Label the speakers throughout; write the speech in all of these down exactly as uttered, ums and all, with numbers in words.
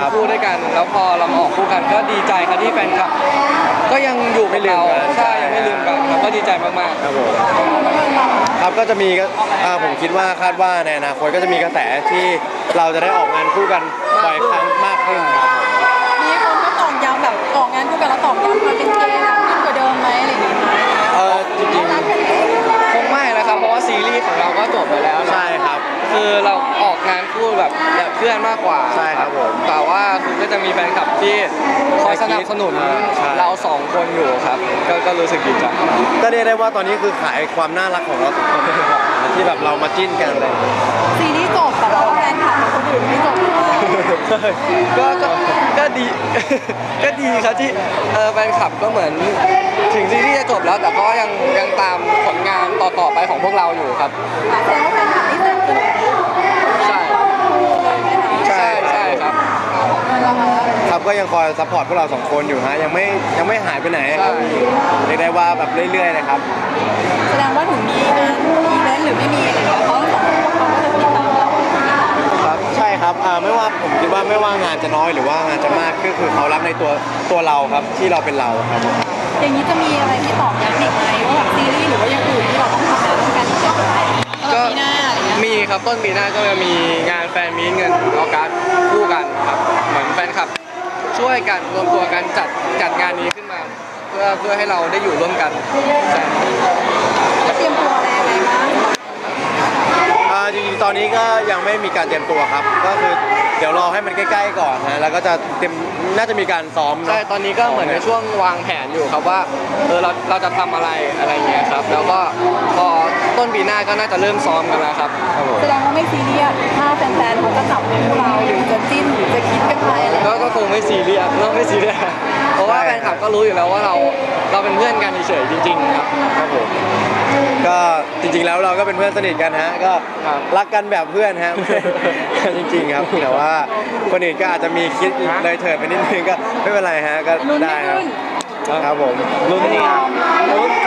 Speaker 1: คู่ด้วยกันแล้วพอเรามาออกคู่กันก็ดีใจครับที่แฟนคลับก็ยังอยู่กับเราใช่ยังไม่ลืมกันครับก็ดีใจมากๆ
Speaker 2: ครับผมครับก็จะมีผมคิดว่าคาดว่าในอนาคตก็จะมีกระแสที่เราจะได้ออกงานคู่กันบ่อยครั้งมากขึ้นครับ
Speaker 3: มีคนก็ตอกย้ำแบบออกงานคู่กันแล้วตอกย้ำความเป็นเกย์ขึ้นกว่าเดิมไหมอะไรอย่างเงี้ย
Speaker 2: เออจริง
Speaker 1: ๆคงไม่นะครับเพราะว่าซีรีส์ของเราก็จบไปแล้ว
Speaker 2: ใช่ครับ
Speaker 1: คือเราออกงานคู่แบบแบบเพื่อนมากกว่า
Speaker 2: ใช่ครับผม
Speaker 1: แต่ว่าคือก็จะมีแฟนคลับที่คอยสนับสนุนเราสองคนอยู่ครับก็ก็รู้สึกดีใจ
Speaker 2: ก็เรียกได้ว่าตอนนี้คือขายความน่ารักของเราสองคนที่แบบเรามาจิ้นกันเลย
Speaker 3: ซีรีส์จบแต่ว่าแฟนคลับคนอื่นไม่จบ
Speaker 1: ก็ก็ก็ดีก็ดีครับที่เออแฟนคลับก็เหมือนถึงซีรีส์จะจบแล้วแต่ก็ยังยังตามผลงานต่อๆไปของพวกเราอยู่ครับ
Speaker 3: แสดงว่าแฟนคลับนี่สนับสนุน
Speaker 1: ใช่ใช่ใช่ครับ
Speaker 2: ครับก็ยังคอยซัพพอร์ตพวกเราสองคนอยู่ฮะยังไม่ยังไม่หายไปไหนครับเรียกได้ว่าแบบเรื่อยๆนะครับ
Speaker 3: แสดงว่าถึงมีงานอีเวนต์หรือไม่มีอะไรเงี้ยเขาสองคนเขาก็จะติดตามเรา
Speaker 2: ครับใช่ครับไม่ว่าผมคิดว่าไม่ว่างานจะน้อยหรือว่างานจะมากก็คือเขารักในตัวตัวเราครับที่เราเป็นเราครับ
Speaker 3: อย่างนี้จะมีอะไรที่ตอบย้ำอีกไหมว่าแบบซีรีส์หรือว่าอย่างอื่นที่เราต้องทำงานร่วมกันก็ปีหน้าอะไรเงี้ย
Speaker 1: มีครับต้นปีหน้าก็จะมีงานแฟนมีตเงินออกัสคู่กันครับเหมือนแฟนคลับช่วยกันรวมตัวกันจัดจัดงานนี้ขึ้นมาเพื่อเพื่อให้เราได้อยู่ร่วมกันใช่
Speaker 3: จะเตรียมตัวอะไรยังไงบ้าง
Speaker 2: จริงๆตอนนี้ก็ยังไม่มีการเตรียมตัวครับก็คือเดี๋ยวรอให้มันใกล้ๆก่อนนะแล้วก็จะเตรียมน่าจะมีการซ้อม
Speaker 1: ใช่ตอนนี้ก็เหมือนในช่วงวางแผนอยู่ครับว่าเออเราเราจะทำอะไรอะไรเงี้ยครับแล้วก็พอต้นปีหน้าก็น่าจะเริ่มซ้อมกันแล้วครับ
Speaker 3: แสดงว่าไม่ซีเรียสถ้าแฟนๆเขาจะจับพวกเราหรือจะจิ้นหรือจะคิดกันไปอะไร
Speaker 1: ก็คงไม่ซีเรียสเราไม่ซีเรียสเพราะว่าแฟนคลับก็รู้อยู่แล้วว่าเราเราเป็นเพื่อนกันเฉยๆจริงๆครับ
Speaker 2: ครับผมก็จริงๆแล้วเราก็เป็นเพื่อนสนิทกันฮะก็รักกันแบบเพื่อนฮะจริงๆครับแต่ว่าคนอื่นก็อาจจะมีคิดเลยเถิดไปนิดนึงก็ไม่เป็นไรฮะก็ได้ครับครับผม
Speaker 1: ลุ้นนี่ลุ้น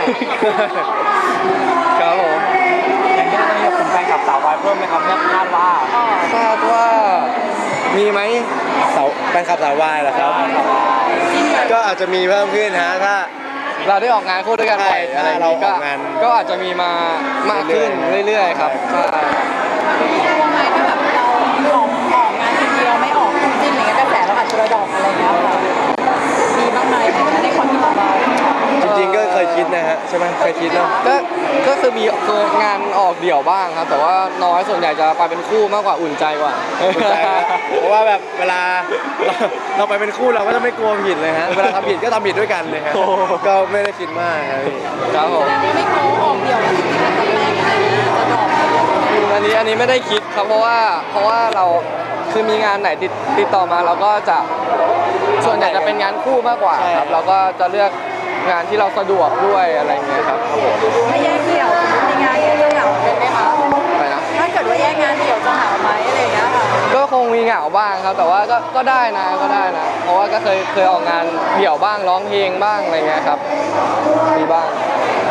Speaker 1: ครับผม
Speaker 4: อย่างนี้ต้องมีคุณแฟนกับสาววายเพิ่มไหมครับเนี่ยคาดว่า
Speaker 1: คาดว่ามีไหม
Speaker 2: สาวแฟนคลับสาววายเหรอครับก็อาจจะมีเพิ่มขึ้นฮะถ้า
Speaker 1: เราได้ออกงานคู่ด้วยกันไปอะไร
Speaker 2: เรา
Speaker 1: ก็
Speaker 2: งาน
Speaker 1: ก็อาจจะมีมามากขึ้นเรื่อยๆครับใช่
Speaker 3: ว่าไงถ้าแบบเราออกออกงานทีเดียวไม่ออกคู่จิ้นอะไรเงี้ยกระแสเราอาจจะระดอกอะไรเงี้ยค่ะมีบ้างไหมในความคิดของเรา
Speaker 2: จริงๆก็เคยคิดนะฮะใช่ไหมเคยคิดเนาะ
Speaker 1: ก็ก็คือมีคืองานออกเดี่ยวบ้างครับแต่ว่าน้อยส่วนใหญ่จะไปเป็นคู่มากกว่าอุ่นใจกว่า
Speaker 2: อุ่นใจเพราะว่าแบบเวลาเราไปเป็นคู่เราก็จะไม่กลัวผิดเลยฮะเวลาทำผิดก็ทำผิดด้วยกันเลยฮะก็ไม่ได้คิดมาก
Speaker 1: ครับผม
Speaker 3: ไม่กลัวออกเดี่ยวแล้วจริงๆอาจจะแรงอะไรจะดอก
Speaker 1: อันนี้อันนี้ไม่ได้คิดครับเพราะว่าเพราะว่าเราคือมีงานไหนติดติดต่อมาเราก็จะส่วนใหญ่จะเป็นงานคู่มากกว่าครับเราก็จะเลือกงานที่เราสะดวกด้วยอะไรเงี้ยครับครับผม
Speaker 3: ถ้าแยกเดี่ยวมีงานเดี่ยวจะเหงาเป็นไหมคะ
Speaker 1: อะไรนะ
Speaker 3: ถ้าเกิดว่าแยกงานเดี่ยวจะเหงาไหมอะไรอย่างเงี้ยค่ะ
Speaker 1: ก็คงมีเหงาบ้างครับแต่ว่าก็ก็ได้นะก็ได้นะเพราะว่าก็เคยเคยออกงานเดี่ยวบ้างร้องเพลงบ้างอะไรเงี้ยครับมีบ้าง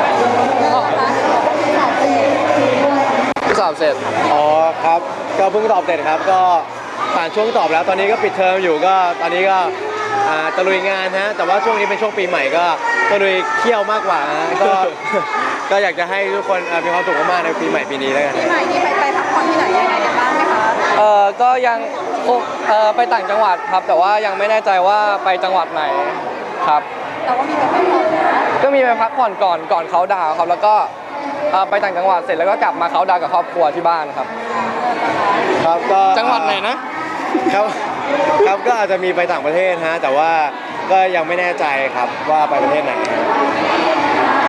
Speaker 1: สอบเสร็จ
Speaker 2: อ๋อครับก็เพิ่งสอบเสร็จครับก็ผ่านช่วงสอบแล้วตอนนี้ก็ปิดเทอมอยู่ก็ตอนนี้ก็ตะลุยงานฮะแต่ว่าช่วงนี้เป็นช่วงปีใหม่ก็ตะลุยเที่ยวมากกว่าก็ก็อยากจะให้ทุกคนมีความสุขมากๆในปีใหม่ปีนี้แล้วกัน
Speaker 3: ปีใหม่นี้ไปไปพักผ่อนที่ไหนยังไงกันบ้างไหมคะ
Speaker 1: เออก็ยังเออไปต่างจังหวัดครับแต่ว่ายังไม่แน่ใจว่าไปจังหวัดไหนครับ
Speaker 3: แต่ว่ามีไปพักผ่อน
Speaker 1: ก็มีไปพักผ่อนก่อนก่อนเขาดาวครับแล้วก็ไปต่างจังหวัดเสร็จแล้วก็กลับมาเขาดาวกับครอบครัวที่บ้านครับ
Speaker 2: ครับก็
Speaker 1: จังหวัดไหนนะครับ
Speaker 2: ครับก็อาจจะมีไปต่างประเทศฮะแต่ว่าก็ยังไม่แน่ใจครับว่าไปประเทศไหน